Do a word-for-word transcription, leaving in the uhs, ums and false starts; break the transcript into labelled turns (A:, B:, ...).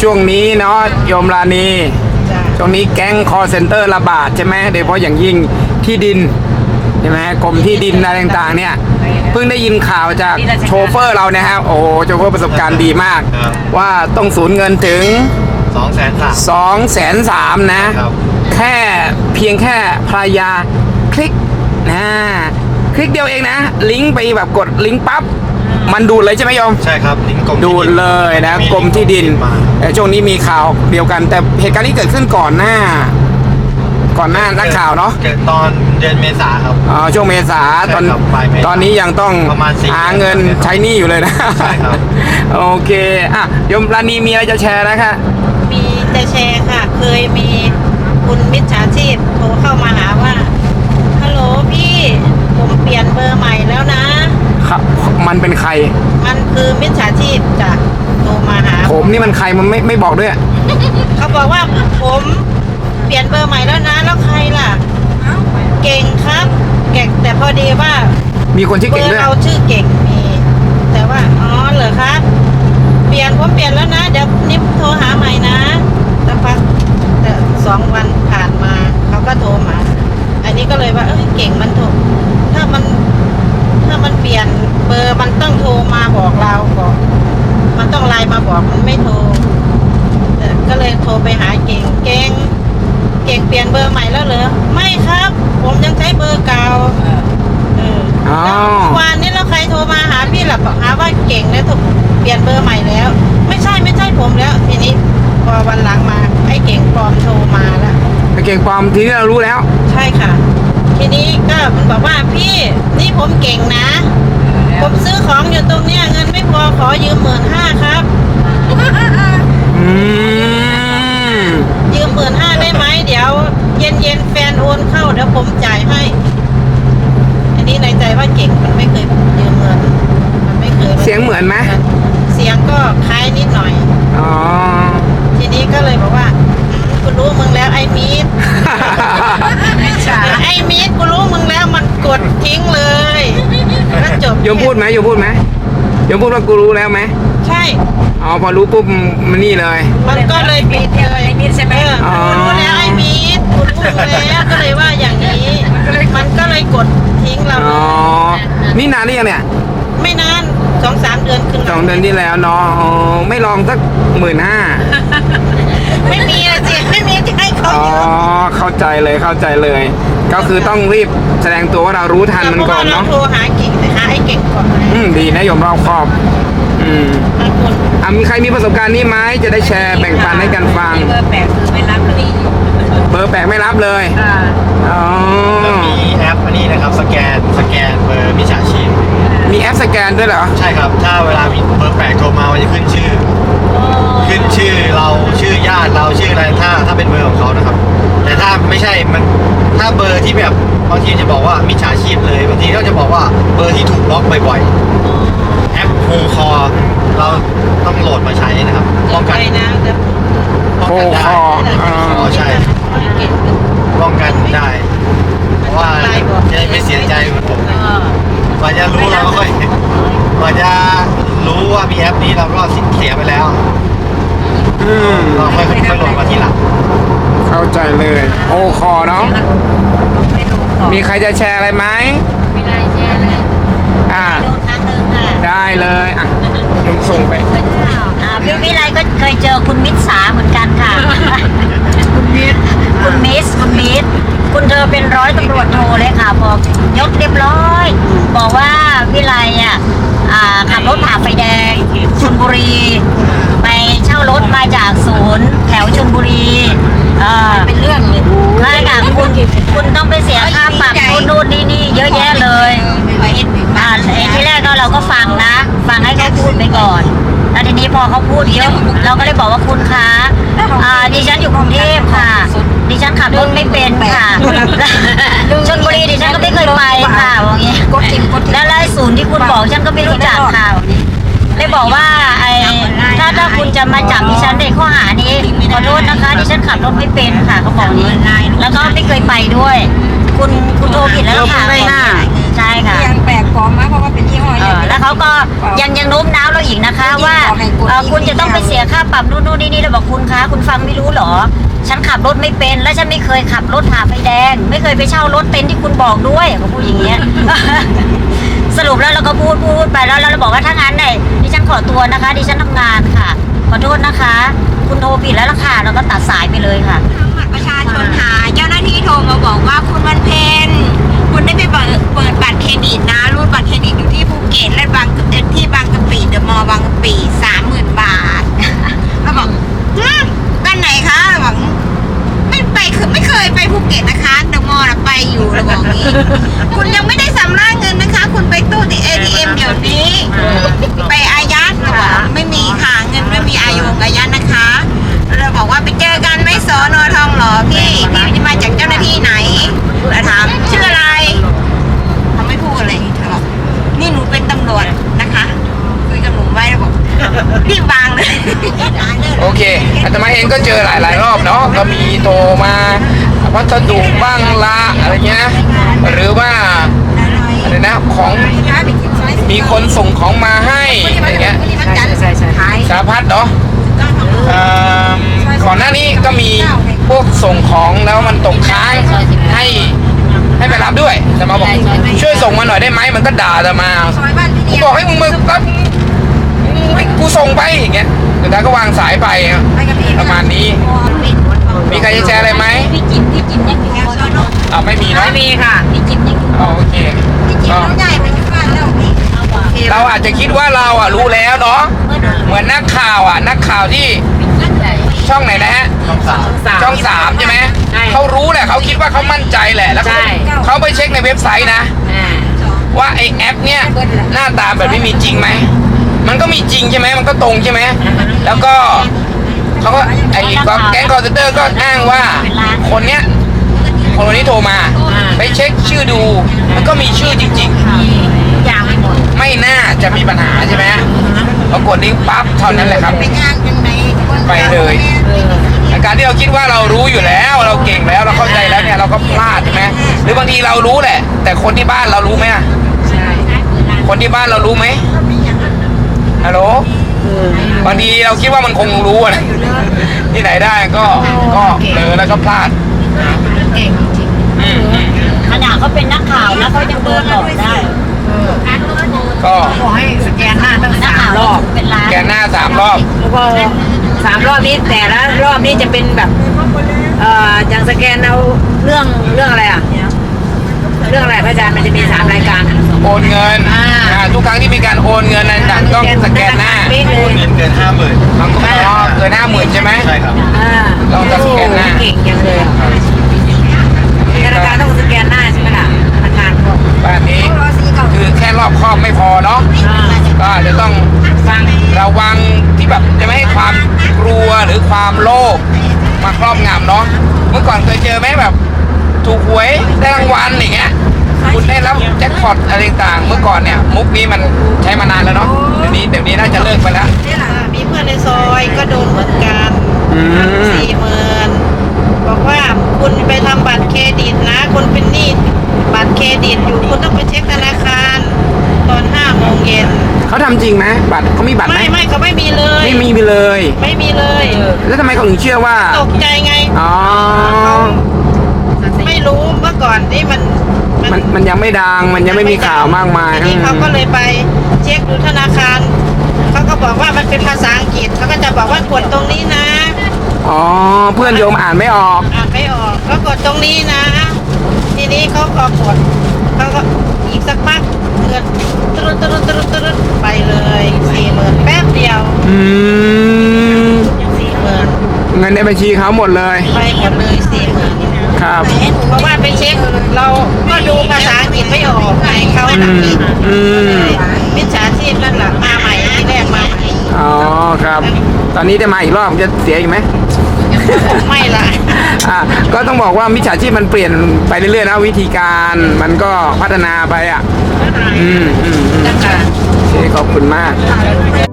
A: ช่วงนี้เนาะโยมราณี
B: จ้ะ
A: ช่วงนี้แก๊งคอเซ็นเตอร์ระบาดใช่ไหมโดยเฉพาะอย่างยิ่งที่ดินใช่ไหมกรมที่ดินอะไรต่างๆเนี่ยเพิ่งได้ยินข่าวจากโชเฟอร์เรานะครับโอ้โหโชเฟอร์ประสบการณ์ดีมาก
C: ครับ
A: ว่าต้องสูญเงินถึง
C: สองแสนสาม
A: สองแสนสามนะครับ แค่เพียงแค่ภรรยาคลิกนะคลิกเดียวเองนะ ลิงก์ไปแบบกดลิงก์ปั๊บมันดูดเลยใช่ไหมโยม
C: ใช่ครับลิงก์กรม
A: ดูดเลยนะกรมที่ดิน
C: มา
A: แต่ช่วงนี้มีข่าวเดียวกัน แต่เหตุการณ์นี้เกิดขึ้นก่อนหน้า ก่อนหน้านักข่าวเนาะ
C: กิดตอนเดือนเมษาครับ
A: อ๋อช่วงเมษาตอน
C: ใช่ครับปลายเมษา
A: ตอนนี้ยังต้อง
C: ประมาณสี่
A: หาเงิน
C: เดือน
A: ใช้หนี้อยู่เลยนะ
C: ใช่ครับ
A: โอเคอ่ะโยมราณีมีอะไรจะแชร์นะคะ
B: มีจะแชร์ค่ะ เคยมีคุณมิจฉาชีพโทรเข้ามาหาว่าฮัลโหลพี่ผมเปลี่ยนเบอร์ใหม่แล้วนะ
A: ครับมันเป็นใคร
B: มันคือมิจฉาชีพจ้ะโทรมาหา
A: ผมนี่มันใครมันไม่ไม่บอกด้วย
B: เขาบอกว่าผมเปลี่ยนเบอร์ใหม่แล้วนะแล้วใครล่ะเก่งครับเก่งแต่พอดีว่า
A: มีคนชื่อ
B: เบ
A: เก่
B: อง
A: ด้วย
B: ร์เราชื่อเก่งมี แต่ว่าอ๋อเหรอครับ เปลี่ยนผมเปลี่ยนแล้วนะ เดี๋ยวนิบโทรหาใหม่นะสักพักแต่สองวันผ่านมาเขาก็โทรมา อันนี้ก็เลยว่าเอ้ยเก่งมันโทรถ้ามัน ถ้ามันเปลี่ยนเบอร์มันต้องโทรมาบอกเราก่อนมันต้องไลน์มาบอกมันไม่โทรเอ่อก็เลยโทรไปหาเก่งเก่งเก่งเปลี่ยนเบอร์ใหม่แล้วเหรอไม่ครับ ผมยังใช้เบอร์เก่าเออ
A: อ๋อ
B: แล้วเมื่อวานนี้แล้วใครโทรมาหาพี่หลับหาว่าเก่งแล้วถูกเปลี่ยนเบอร์ใหม่แล้ว ไม่ใช่ไม่ใช่ผมแล้ว ทีนี้พอวันหลังมาไอ้เก่งปลอมโทรมาแล้ว
A: ไอ้เก่งปลอมทีนี้เรารู้แล้ว
B: ใช่ค่ะ ทีนี้ก็มันบอกว่าพี่นี่ผมเก่งนะ ผมซื้อของอยู่ตรงเนี้ยเงินไม่พอขอยืมหมื่นห้าครับ
A: อืม
B: ยืมหมื่นห้าได้ไหมเดี๋ยวเย็นเย็นๆแฟนโอนเข้าเดี๋ยวผมจ่ายให้ อันนี้ในใจว่าเก่งมันไม่เคยยืมเงินมันไม่เคย
A: เสียงเหมือนไหม
B: เสียงก็คล้ายนิดหน่อย
A: อ๋อ
B: ทีนี้ก็เลยบอกว่าอืมกูรู้มึงแล้วไอ้มีด ไอ้มีดกูรู้มึงแล้วมันกดทิ้งเลยแล้วจบ
A: โยมพูดไหมโยมพูดไหมโยมพูดว่ากูรู้แล้วไหม
B: ใช่
A: อ๋อพอรู้ปุ๊บมันนี่เลย
B: มันก็เลยปิดเลยไอ้มีดใช่ไหม
A: อ๋อ
B: กูรู้แล้วไอ้มีดกูรู้แล้วก็เลยว่าอย่างนี้ มันก็เลยกดทิ้งเรา
A: อ๋อ นี่นานหรือยังเนี่ย
B: ไม่นานสองสามเดือนขึ้น
A: สองเดือนที่แล้วเนาะอ๋อไม่ลองสักหมื่นห้า
B: ไม่มีอะสิไม่มีจะให้เขา
A: อ๋อ
B: ยืม
A: เข้าใจเลยเข้าใจเลย ก็คือต้องรีบแสดงตัวว่าเรารู้ทันมัน
B: เพราะ
A: ก่อ
B: ว่าน เรา
A: เนาะ
B: โทรหาเก่งแต่หาไอ้เก่งก่อน
A: อืมดีนะโยมรอบคอบ อืม
B: บางคน
A: อ่ะมีใครมีประสบการณ์นี้ไหมจะได้แชร์แบ่งปันให้กันฟัง
B: เบอร์แปดคือไม่รับเลย
A: เบอร์แปลกไม่รับเลย
B: อ่า
A: อ๋อ
C: แล้วมีแอปอันนี้นะครับสแกนสแกนเบอร์มิจฉาชีพ
A: มีแอปสแกนด้วยเหรอ
C: ใช่ครับ ถ้าเวลามีเบอร์แปลกโทรมามันจะขึ้นชื่อ ขึ้นชื่อเราชื่อญาติเราชื่ออะไรถ้าถ้าเป็นเบอร์ของเขานะครับ แต่ถ้าไม่ใช่มันถ้าเบอร์ที่แบบบางทีจะบอกว่ามิจฉาชีพเลยบางทีก็จะบอกว่าเบอร์ที่ถูกบล็อกบ่อยๆแอปโฮคอเราต้องโหลดมาใช้นะครับป้องกัน
B: ใจนะแต่
C: ป้องกันได้
A: โฮคออ่า
C: อ๋อใช่
B: เก่ง
C: ป้องกันได้เพราะว่าจะได้ไม่เสียใจเหมือนผมกว่าจะรู้เราก็ค่อยกว่าจะรู้ว่ามีแอปนี้เราก็เสียไปแล้ว
A: อืม
C: เราค่อยค่อยโหลดมาทีหลัง
A: เข้าใจเลย โอคอเนาะ มีใครจะแชร์อะไรไหม
B: ไม่ได้แชร์เลย
A: อ่า
B: ดูครั้งหนึ่งค่ะ
A: ได้เลย อ่ะลุงส่งไป
D: อ่าพี่วิไลก็เคยเจอคุณมิตรสาเหมือนกันค่ะ คุณมิตรคุณมิสคุณมิตรคุณเธอเป็นร้อยตำรวจโทเลยค่ะบอกยกเรียบร้อย บอกว่าวิไลอ่ะอ่าขับรถผ่าไฟแดงชลบุรี ไปเช่ารถมาจากศูนย์แถวชลบุรีเออ
B: เป็นเรื่องเลย
D: ใช่ค่ะคุณคุณต้องไปเสียค่าปรับนู่นนู่นนี่นี่เยอะแยะเลยอ่าไอ้ที่แรกก็เราก็ฟังนะ ฟังให้เขาพูดไปก่อน แล้วทีนี้พอเขาพูดเยอะเราก็เลยบอกว่าคุณคะอ่าดิฉันอยู่กรุงเทพค่ะ ดิฉันขับรถไม่เป็นค่ะชลบุรีดิฉันก็ไม่เคยไปค่ะอย่างงี้แล้วไอ้ศูนย์ที่คุณบอกฉันก็ไม่รู้จักค่ะเลยบอกว่าไอ้ถ้าถ้าคุณจะมาจับดิฉันในข้อหานี้ขอโทษนะคะดิฉันขับรถไม่เป็นค่ะเขาบอกนี้แล้วก็ไม่เคยไปด้วย คุณคุณโทรผิดแล้วค่ะ
B: ไม่น่า
D: ใช่ค่ะ
B: ยังแปลกปลอมมาก
E: ราะว่าเป็นยี่ห้อ
D: เออแล้วเขาก็ยังยังโน้มน้าวเราอีกนะคะว่าเอ่อคุณจะต้องไปเสียค่าปรับนู่นนู่นนี่นี่เราบอกคุณคะคุณฟังไม่รู้เหรอฉันขับรถไม่เป็นและฉันไม่เคยขับรถผ่าไฟแดงไม่เคยไปเช่ารถเต็นท์ที่คุณบอกด้วยเขาพูดอย่างเงี้ย สรุปแล้วเราก็พูดพูดไปแล้วแล้วเราบอกว่าถ้างั้นเนี่ยดิฉันขอตัวนะคะดิฉันทำงานค่ะขอโทษนะคะ คุณโทรผิดแล้วล่ะค่ะเราก็ตัดสายไปเลยค่ะ
E: บัตรประชาชนหาเจ้าหน้าที่โทรมาบอกว่าคุณวันเพ็ญคุณได้ไปเปิดเปิดบัตรเครดิตนะรูดบัตรเครดิตอยู่ที่ภูเก็ตและบางที่บางกะปิเดอะมอลล์บางกะปิสามหมื่นบาทเราบอกฮะกันไหนคะเราบอกไม่ไปคือไม่เคยไปภูเก็ตนะคะเดอะมอลล์ไปอยู่เราบอกงี้ คุณยังไม่ได้สำรางเงินนะคะ คุณไปตู้ที่ เอ ที เอ็ม เดี๋ยวนี้ ไปอายัดเราบอกไม่มีค่ะเงินไม่มีอายุอายัดนะคะเราบอกว่าไปเจอกันไม่สอนอทองหล่อพี่พี่จะมาจากเจ้าหน้าที่ไหนเราถามชื่ออะไรเขาไม่พูดอะไรเธอบอกนี่หนูเป็นตำรวจนะคะคุยกับหนูไว้แล้วบอกรีบวางเลย
A: โอเคอาตมาเองก็เจอหลาย ๆ รอบเนาะก็มีโทรมาพัสดุบ้างละอะไรเงี้ยหรือว่าอะไรนะของมีคนส่งของมาให้อะไรเงี้ยสารพัดเนาะเอ่อก่อนหน้านี้ก็มีพวกส่งของแล้วมันตกค้างให้ให้ไปรับด้วยแต่มาบอกช่วยส่งมาหน่อยได้ไหมมันก็ด่าแต่มากูบอกให้มึงมารับให้กูส่งไปอย่างเงี้ยแต่ท้ายก็วางสายไปประมาณนี้มีใครจะแชร์อะไรไหม
D: พี่จิ๋มพี่จิ๋มยังอยู่บนรถ
A: อ่าไม่มีเนาะ
B: ไม่มีค่ะ
D: พี่จิ๋มยังอยู่
A: อ๋อโอเค
E: พี่จิ๊บน้องใหญ่ไปที่บ้านแล้วพี่
A: เราอาจจะคิดว่าเราอ่ะรู้แล้วเนาะเหมือนนักข่าวอ่ะนักข่าวที่ช่องไหนนะฮะ
C: ช่องสาม
A: ช่องสามใช่ไหมเขารู้แหละเขาคิดว่าเขามั่นใจแหละแล้วเขาเขาไปเช็คในเว็บไซต์นะว่าไอแอปเนี่ยหน้าตาแบบนี้มีจริงไหมมันก็มีจริงใช่ไหมมันก็ตรงใช่ไหมแล้วก็เขาก็ไอ้แก๊งคอร์เซนเตอร์ก็อ้างว่าคนเนี้ยคนนี้โทรมาไปเช็คชื่อดูมันก็มีชื่อจริง
D: ยาวไปหมด
A: ๆ ไม่น่าจะมีปัญหาใช่ไหมพอกดลิงก์ปั๊บเท่านั้นแหละครับ
E: ไปงานยังไง
A: ไปเลยอาการที่เราคิดว่าเรารู้อยู่แล้วเราเก่งแล้วเราเข้าใจแล้วเนี่ยเราก็พลาดใช่ไหมหรือบางทีเรารู้แหละ แต่คนที่บ้านเรารู้ไหมอะคนที่บ้านเรารู้ไหมฮัลโหลบางทีเราคิดว่ามันคงรู้อะที่ไหนได้ก็ก็เผลอแล้วก็พลาด
B: เก่งจริง
A: อืมอืม
D: ขนาดเขาเป็นนักข่าวแล้วเขายังโดนหลอกได้
A: ก็
B: ขอให้สแกนหน้าตั้ง
D: นัก
B: สาม
D: ข่าว
B: รอบ
D: เป็นล้าน
A: แกนหน้าสามรอบ
B: แล้วก็สามรอบนี้แต่ละรอบนี้จะเป็นแบบเอ่ออย่างสแกนเอาเรื่องเรื่องอะไรอ่ะเรื่องอะไรพระอาจารย์มันจะมีสามรายการ
A: โอนเงิน
B: อ่า
A: อ่าทุกครั้งที่มีการโอนเงินอะไรต่างๆต้องสแกนหน้า
B: ไม่เล
C: โอน
B: ย
C: เงินเกินห้าหมื่น
A: บางคนก็เกินห้าหมื่นใช่ไหม
C: ใช่ครับ
B: อ่า
A: ต้องสแกนหน้า
B: เก่งจังเลยธนาคารต้องสแกนหน้าใช่ไหมล่ะธนาคารพวก
A: บ้านนี้คือแค่รอบครอบไม่พอเนาะ
B: อ่า
A: ก็อาจจะต้อง
B: ฟัง
A: ระวังที่แบบจะไม่ให้ความกลัวหรือความโลภมาครอบงำเนาะเมื่อก่อนเคยเจอไหมแบบ ถูกหวยได้รางวัลอย่างเงี้ยคุณได้รับแจ็คพอตอะไรต่างๆเมื่อก่อนเนี่ยมุกนี้มันใช้มานานแล้วเนาะเดี๋ยวนี้เดี๋ยวนี้น่าจะเลิกไปแล้ว
B: มีเพื่อนในซอยก็โดนเหมือนกัน
A: อืม
B: สี่หมื่นบอกว่าคุณไปทำบัตรเครดิตนะ คุณเป็นหนี้บัตรเครดิตอยู่คุณต้องไปเช็คธนาคารตอนห้าโมงเย็น
A: เขาทำจริงไหมบัตรเขามีบัตรไหม
B: ไม่ไม่เขาไม่มีเลย
A: ไม่มีไปเลย
B: ไม่มีเลย
A: แล้วทำไมเขาถึงเชื่อว่า
B: ตกใจไง
A: อ๋อ
B: ไม่รู้เมื่อก่อนนี่มัน
A: มันมันยังไม่ดังมันยังไม่มีข่าวมากมาย
B: ทีนี้เขาก็เลยไปเช็คดูธนาคารเขาก็บอกว่ามันเป็นภาษาอังกฤษเขาก็จะบอกว่ากดตรงนี้นะ
A: อ๋อเพื่อนโยมอ่านไม่ออก
B: อ่านไม่ออกก็กดตรงนี้นะ ทีนี้เขาพอกดเขาก็อีกสักพักเงินตรุดตรุดตรุดตรุดไปเลยสี่หมื่นแป๊บเดียว
A: อืม
B: สี่หมื่น
A: เงินในบัญชีเขาหมดเลย
B: ไปหมดเลยสี่หมื่น
A: ครับ
B: เพราะว่าไปเช็คเราก็ดูภาษาอังกฤษไม่ออกไงเขา
A: อืมอืม
B: มิจฉาชีพนั่นแหละมาใหม่ที่แรกมาใหม่
A: อ๋อครับ ตอนนี้จะมาอีกรอบจะเสียอีกไหม
B: ไม่ละ
A: อ่ะก็ต้องบอกว่ามิจฉาชีพมันเปลี่ยนไปเรื่อยๆนะวิธีการมันก็พัฒนาไปอ่ะ อืมอืมอืม
B: นะคะ
A: โอเคขอบคุณมาก
B: เอ